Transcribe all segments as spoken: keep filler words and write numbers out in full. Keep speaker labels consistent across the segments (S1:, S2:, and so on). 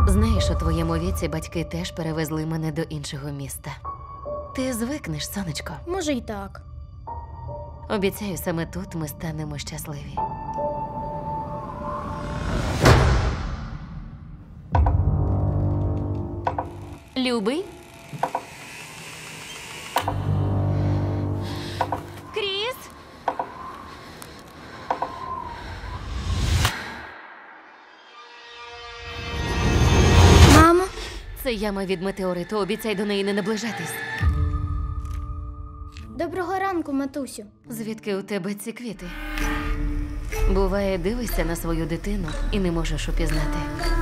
S1: Знаєш, у твоєму віці батьки теж перевезли мене до іншого міста. Ти звикнеш, сонечко.
S2: Може й так.
S1: Обіцяю, саме тут ми станемо щасливі. Любий? Кріс?
S2: Мамо?
S1: Це яма від метеориту. Обіцяй до неї не наближатись.
S2: Доброго ранку, матусю.
S1: Звідки у тебе ці квіти? Буває, дивишся на свою дитину і не можеш упізнати.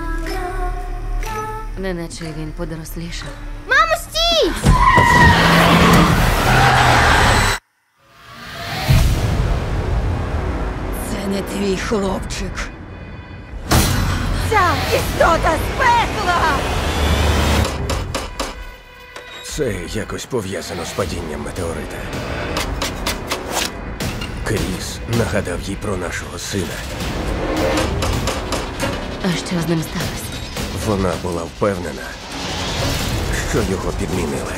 S1: Неначе він подорослішав.
S2: Мамо, стій!
S3: Це не твій хлопчик.
S4: Ця істота з пекла!
S5: Це якось пов'язано з падінням метеорита. Кріс нагадав їй про нашого сина.
S1: А що з ним сталося?
S5: Вона була впевнена, що його підмінили.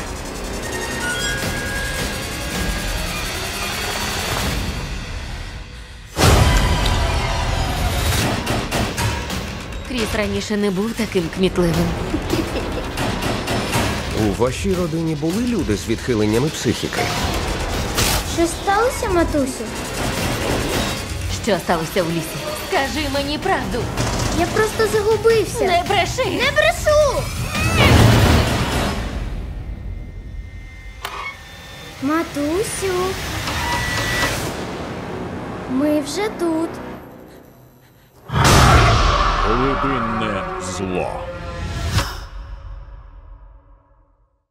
S1: Кріс раніше не був таким кмітливим.
S5: У вашій родині були люди з відхиленнями психіки?
S2: Щось сталося, матусю?
S1: Що сталося в лісі? Скажи мені правду.
S2: Я просто загубився.
S1: Не бреши!
S2: Не брешу! Матусю. Ми вже тут.
S6: Глибинне зло.